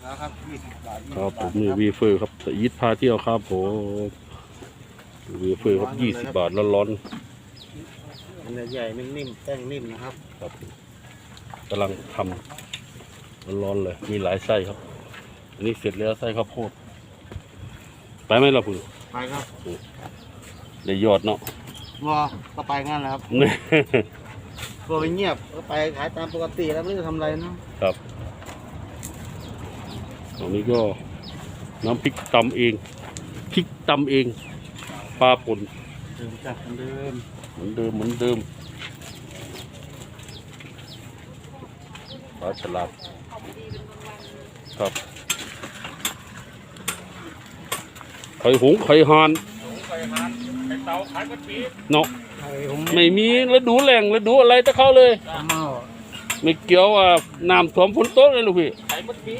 ครับ20 บาทครับผมมีวีเฟอร์ครับสยิดพาเที่ยวครับผมวีเฟอร์ครับ20 บาทร้อนเนื้อใหญ่นิ่มๆแป้งนิ่มนะครับครับกำลังทำร้อนเลยมีหลายไส้ครับอันนี้เสร็จแล้วไส้ข้าวโพดไปไหมล่ะคุณไปครับได้ยอดเนาะวัวก็ไปงั้นแหละครับวัวไปเงียบก็ไปขายตามปกติแล้วไม่ได้ทำอะไรนะครับตรงนี้ก็น้ำพริกตำเองพริกตำเองปลาป่นเดิมจัดเหมือนเดิมเหมือนเดิมปลาฉลาดครับไข่หงส์ไข่ห่านไข่เต่าขายกระปีเนาะไม่มีฤดูแหล่งฤดูอะไรตะเข้าเลยไม่เกี่ยวน้ำท่วมฝนตกเลยลูกพี่ไข่กระปี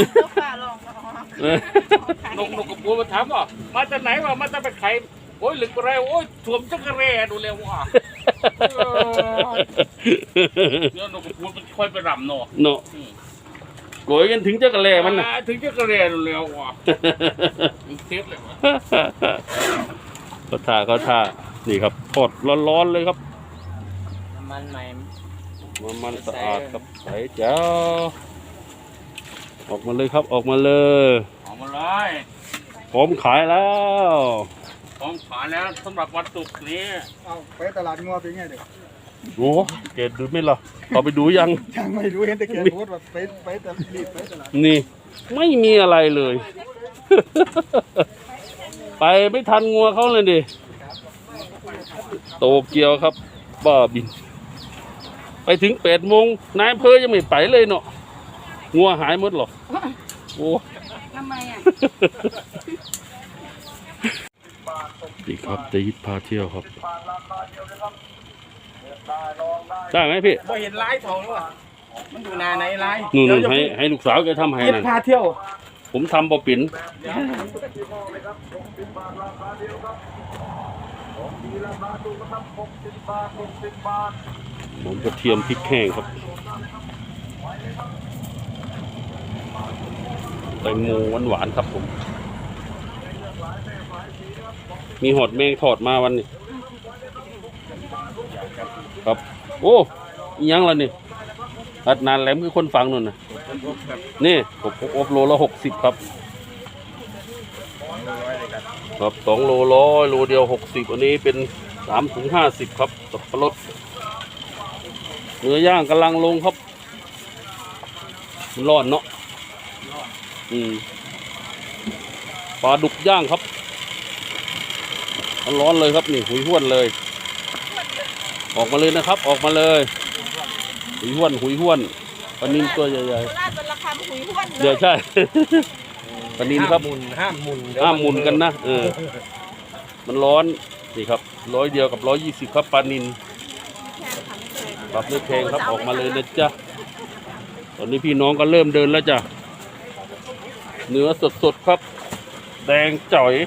นกกระปูมาถามว่ามาจากไหนวะมาจากไปไข่โอ้ยหลึกอะไรโอ้ยถ่วมจักรแร่ดูเร็วว่ะเดี๋ยวนกกระปูมันค่อยไปรำเนาะโกยกันถึงจักรแร่มันนะถึงจักรแร่ดูเร็วว่ะเทปเลยวะเขาท่านี่ครับทอดร้อนๆเลยครับมันใหม่มันสะอาดครับใสเจ้าออกมาเลยครับออกมาเลย พร้อมขายแล้วสำหรับวันศุกร์นี้ไปตลาดงัวเป็นไงเด็กโอ้เกดดูไม่หรอต่อไปดูยังไม่ดูเห็นแต่เกดพูดว่าไปแต่รีบไปตลาดนี่ไม่มีอะไรเลย ไปไม่ทันงัวเขาเลยดิโตเกียวครับบ้าบินไปถึง8 โมงนายอำเภอยังไม่ไปเลยเนาะงัวหายหมดหรอโอ้ทำไมอ่ะนี่ครับจะยิดพาเที่ยวครับได้ไหมพี่บ่เห็นไลฟ์ทองหรอมันอยู่นาไหนไลฟ์นู่นให้ลูกสาวแกทำให้นั่นพาเที่ยวผมทำบ่ปิ่นผมกระเทียมพริกแห้งครับแตงโมหวานๆครับผมมีหอดแมงทอดมาวันนี้ครับโอ้ยังล่ะนี่อัดนานแหลมคือคนฟังนู่นนะนี่ผมอบโลละ60ครับครับ2 โล100โลเดียว60อันนี้เป็น3 ถุง 50ครับสับปะรดเนื้อย่างกำลังลงครับร้อนเนาะปลาดุกย่างครับร้อนเลยครับนี่หุยห้วนเลยออกมาเลยนะครับออกมาเลยหุยห้วนปลานิลตัวใหญ่ๆเดี๋ยวใช่ปลานิลครับห้ามหมุนกันนะมันร้อนนี่ครับ100เดียวกับ120ครับปลานิลปรับด้วยแพงครับออกมาเลยนะจ๊ะตอนนี้พี่น้องก็เริ่มเดินแล้วจ้ะเนื้อสดๆครับแดงจ่อย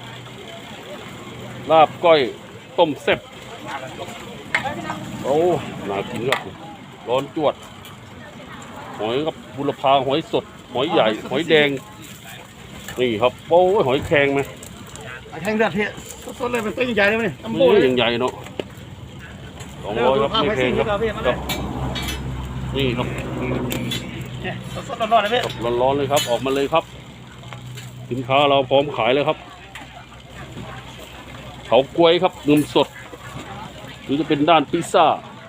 ลาบก้อยต้มแซ่บโอ้น่ากินครับร้อนจวดหอยครับบุรพาหอยสดหอยใหญ่หอยแดงนี่ครับโอ้หอยแครงไหมแข็งเดือดเทสดเลยมันตัวใหญ่เลยมั้ยนี่ใหญ่เนาะ200ครับไม่แพงครับนี่ครับสดร้อนๆเลยพี่ร้อนๆเลยครับออกมาเลยครับสินค้าเราพร้อมขายเลยครับเขากล้วยครับนมสดหรือจะเป็นด้านพิซซ่า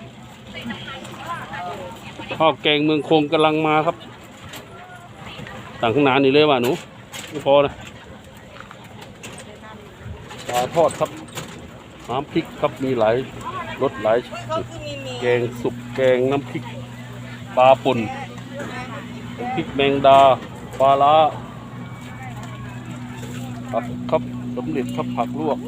ข้าวแกงเมืองคงกำลังมาครับต่างข้างหน้านี่เลยว่ะหนูไม่พอนะปลาทอดครับน้ำพริกครับมีหลายรสหลายแกงสุกแกงน้ำพริกปลาป่นพริกแมงดาปลาล้าผักครับสำเร็จครับผักลวก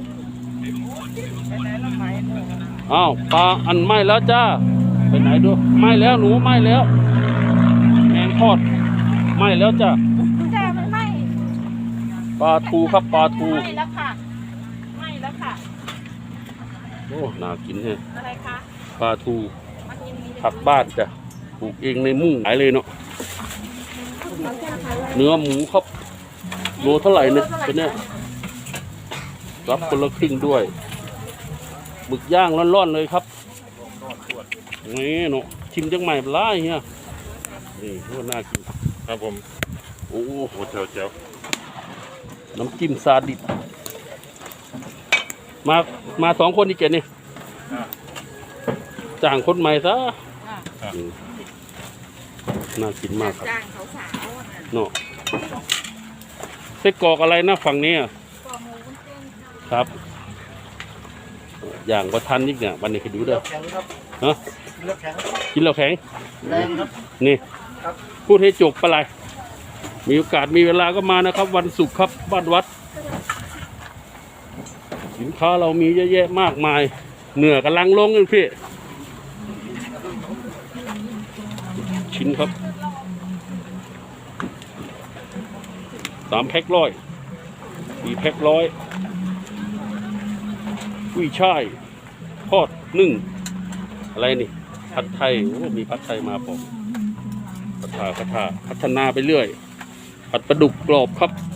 อ้าวปลาอันไหม้แล้วจ้าไปไหนดูไหม้แล้วหนูไหม้แล้วแมงทอดไหม้แล้วจ้ามันไหม้ปลาทูครับปลาทูไหม้แล้วค่ะโอ้น่ากินแฮะอะไรคะปลาทูผักบ้านจ้ะปลูกเองในมุ้งขายเลยเนาะเนื้อหมูครับโลเท่าไหร่เนี่ยตัวเนี้ยรับคนละครึ่งด้วยหมึกย่างร้อนๆเลยครับนี่เนาะชิมจังใหม่ปลาเฮียนี่โคตรน่ากินครับผมโอ้โหโอ้เจ๋วน้ำจิ้มซาดิสมา2 คนนี่เจนี่จ้างคนใหม่ซะอืมน่ากินมากครับจ้างสาวๆน่ะเนาะไส้กรอกอะไรนะฝั่งนี้อะกองหมูวุ้นเส้นค่ะครับ อย่างประทันนิดเนี่ยวันนี้คือดูเด้อแข็งครับฮะเลือกแข็งกินแล้วแข็งแรงครับนี่ครับพูดให้จบไปเลยมีโอกาสมีเวลาก็มานะครับ วันศุกร์ครับบ้านวัด สินค้าเรามีเยอะแยะมากมาย เหนือกำลังลงเลยพี่ ชิ้นครับ3 แพ็ค100 4 แพ็ค100กุ้ยช่ายทอดนึ่งอะไรนี่ผัดไทยโอ้มีผัดไทยมาผมพัฒนาไปเรื่อยผัดปลาดุกกรอบครับ